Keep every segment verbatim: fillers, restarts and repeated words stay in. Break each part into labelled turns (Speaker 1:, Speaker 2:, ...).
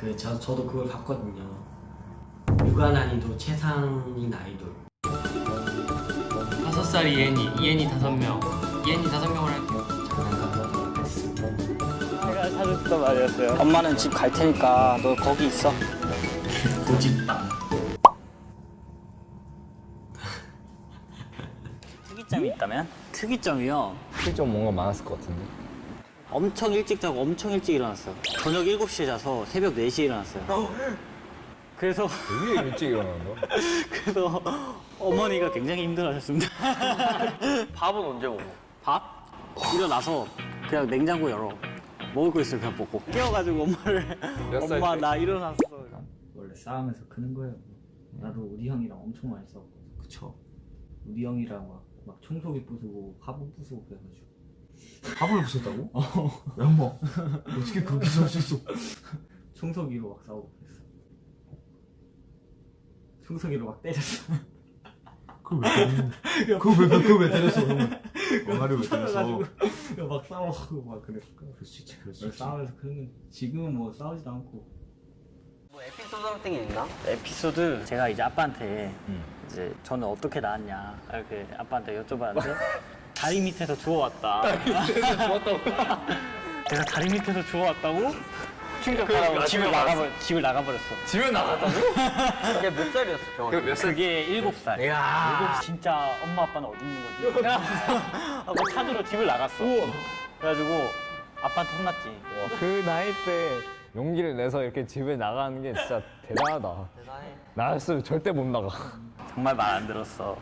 Speaker 1: 그 저, 저도 그걸 봤거든요. 육아 난이도 최상인 아이돌.
Speaker 2: 다섯 살이 예니, 예니 다섯 명. 예니 다섯 명을 할게요.
Speaker 1: 장난감 하겠습니다.
Speaker 3: 제가 사줬던 말이었어요. 엄마는 집 갈 테니까 너 거기 있어.
Speaker 1: 고집빵.
Speaker 3: 특이점이 있다면? 특이점이요?
Speaker 4: 좀 뭔가 많았을 것 같은데.
Speaker 3: 엄청 일찍 자고 엄청 일찍 일어났어요. 저녁 일곱 시에 자서 새벽 네 시에 일어났어요. 그래서
Speaker 4: 되게 일찍 일어난다.
Speaker 3: 그래서 어머니가 굉장히 힘들어하셨습니다.
Speaker 2: 밥은 언제 먹어?
Speaker 3: 밥? 일어나서 그냥 냉장고 열어. 먹을 거 있으면 그냥 먹고. 깨워가지고 엄마를
Speaker 4: 몇 살
Speaker 3: 엄마
Speaker 4: 때?
Speaker 3: 나 일어났어.
Speaker 5: 원래 싸우면서 크는 거예요. 나도 우리 형이랑 엄청 많이 싸웠거든.
Speaker 1: 그쵸.
Speaker 5: 우리 형이랑 막, 막 청소기 부수고 화분 부수고 그래가지고.
Speaker 1: 밥을 부셨다고? 어. 양마. 어떻게 그렇게 살 수 있어?
Speaker 5: 청소기로 막 싸우고 그랬어. 청소기로 막 때렸어.
Speaker 1: 그걸 왜 때렸어? 그걸 왜, 그걸 왜 때렸어? 왕아를 왜 때렸어?
Speaker 5: 그래가지고 막 싸우고 막 그랬어.
Speaker 1: 그럴 수 있지, 그럴 수 있지.
Speaker 5: 싸우면서 크는 거. 지금은 뭐 싸우지도 않고.
Speaker 2: 뭐 에피소드 같은 게 있나?
Speaker 3: 에피소드 제가 이제 아빠한테
Speaker 4: 응.
Speaker 3: 이제 저는 어떻게 낳았냐 이렇게 아빠한테 여쭤봤는데 다리 밑에서 주워왔다. 다리 밑에서 주웠다고? 제가 다리 밑에서 주워왔다고? 충격하라고 집을 나가버 집을 나가버렸어.
Speaker 4: 집에 나갔다고?
Speaker 2: 그게 몇 살이었어, 정확히?
Speaker 4: 몇 살?
Speaker 3: 그게 일곱 살.
Speaker 4: 이야.
Speaker 3: 일곱 진짜 엄마 아빠는 어디 있는 거지? 하고 찾으러 집을 나갔어. 그래가지고 아빠한테 혼났지.
Speaker 4: 그 나이 때 용기를 내서 이렇게 집에 나가는 게 진짜 대단하다.
Speaker 2: 대단해.
Speaker 4: 나였으면 절대 못 나가.
Speaker 3: 정말 말 안 들었어.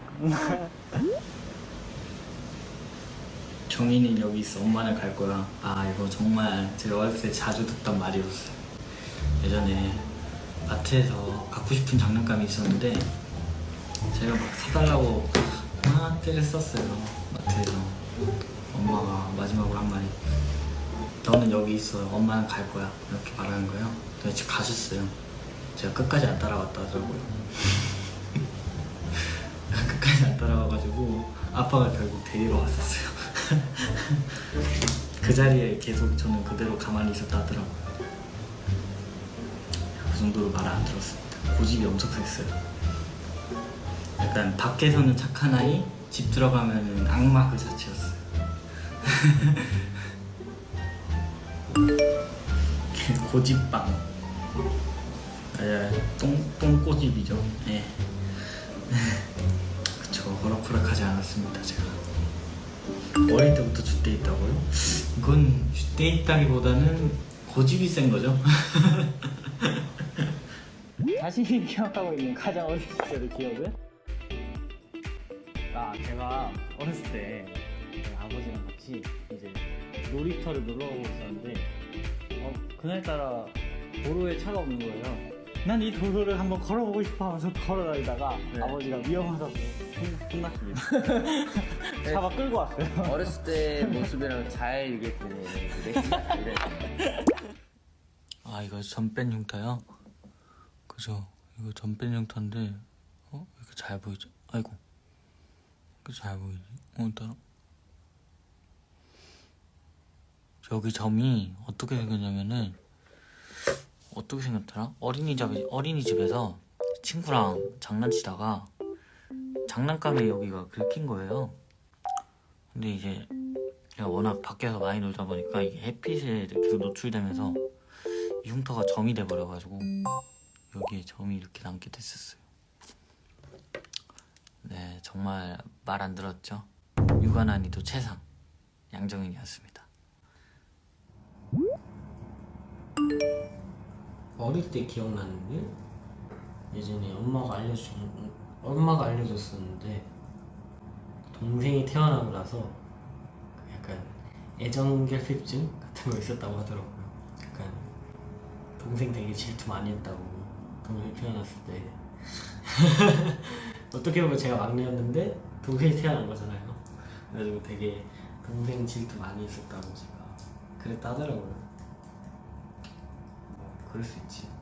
Speaker 1: 정인이 여기 있어. 엄마는 갈 거야. 아, 이거 정말 제가 어렸을 때 자주 듣던 말이었어요. 예전에 마트에서 갖고 싶은 장난감이 있었는데 제가 막 사달라고 막 때를 썼어요. 마트에서. 엄마가 마지막으로 한 말이 너는 여기 있어. 엄마는 갈 거야. 이렇게 말하는 거예요. 근데 집 가셨어요. 제가 끝까지 안 따라갔다 하더라고요. 끝까지 안 따라와가지고 아빠가 결국 데리러 왔었어요. 그 자리에 계속 저는 그대로 가만히 있었다 하더라고요. 그 정도로 말을 안 들었습니다. 고집이 엄청 셌어요. 약간 밖에서는 착한 아이, 집 들어가면 악마 그 자체였어요. 고집빵. 예, 똥, 똥꼬집이죠. 예. 그쵸, 호락호락하지 않았습니다, 제가. 어릴 때부터 줏대 있다고요? 이건 줏대 있다기보다는 고집이 센 거죠.
Speaker 3: 자신이 기억하고 있는 가장 어렸을 때의 기억은? 아, 제가 어렸을 때 저희 아버지랑 같이 이제 놀이터를 놀러 가고 있었는데 어, 그날따라 도로에 차가 없는 거예요. 난 이 도로를 한번 걸어보고 싶어 하면서 걸어다니다가
Speaker 2: 네.
Speaker 3: 아버지가 위험하다고 혼- 혼났습니다. 차가 끌고 왔어요.
Speaker 2: 어렸을 때 모습이랑 잘 이게 되네. 그래?
Speaker 1: 아, 이거 전뺀 흉터요? 그죠? 이거 전뺀 흉터인데 어? 이렇게 잘 보이죠? 아이고, 이렇게 잘 보이지? 오늘따라 여기 점이 어떻게 생겼냐면은 어떻게 생겼더라? 어린이집에, 어린이집에서 친구랑 장난치다가 장난감에 여기가 긁힌 거예요. 근데 이제 제가 워낙 밖에서 많이 놀다 보니까 이게 햇빛에 계속 노출되면서 이 흉터가 점이 돼버려가지고 여기에 점이 이렇게 남게 됐었어요. 네, 정말 말 안 들었죠? 육아 난이도 최상 양정인이었습니다. 어릴 때 기억나는 게 예전에 엄마가 알려준 엄마가 알려줬었는데 동생이 태어나고 나서 약간 애정결핍증 같은 거 있었다고 하더라고요. 약간 동생 되게 질투 많이 했다고. 동생이 태어났을 때 어떻게 보면 제가 막내였는데 동생이 태어난 거잖아요. 그래가지고 되게 동생 질투 많이 했었다고 제가 그랬다 하더라고요. 뭐 그럴 수 있지.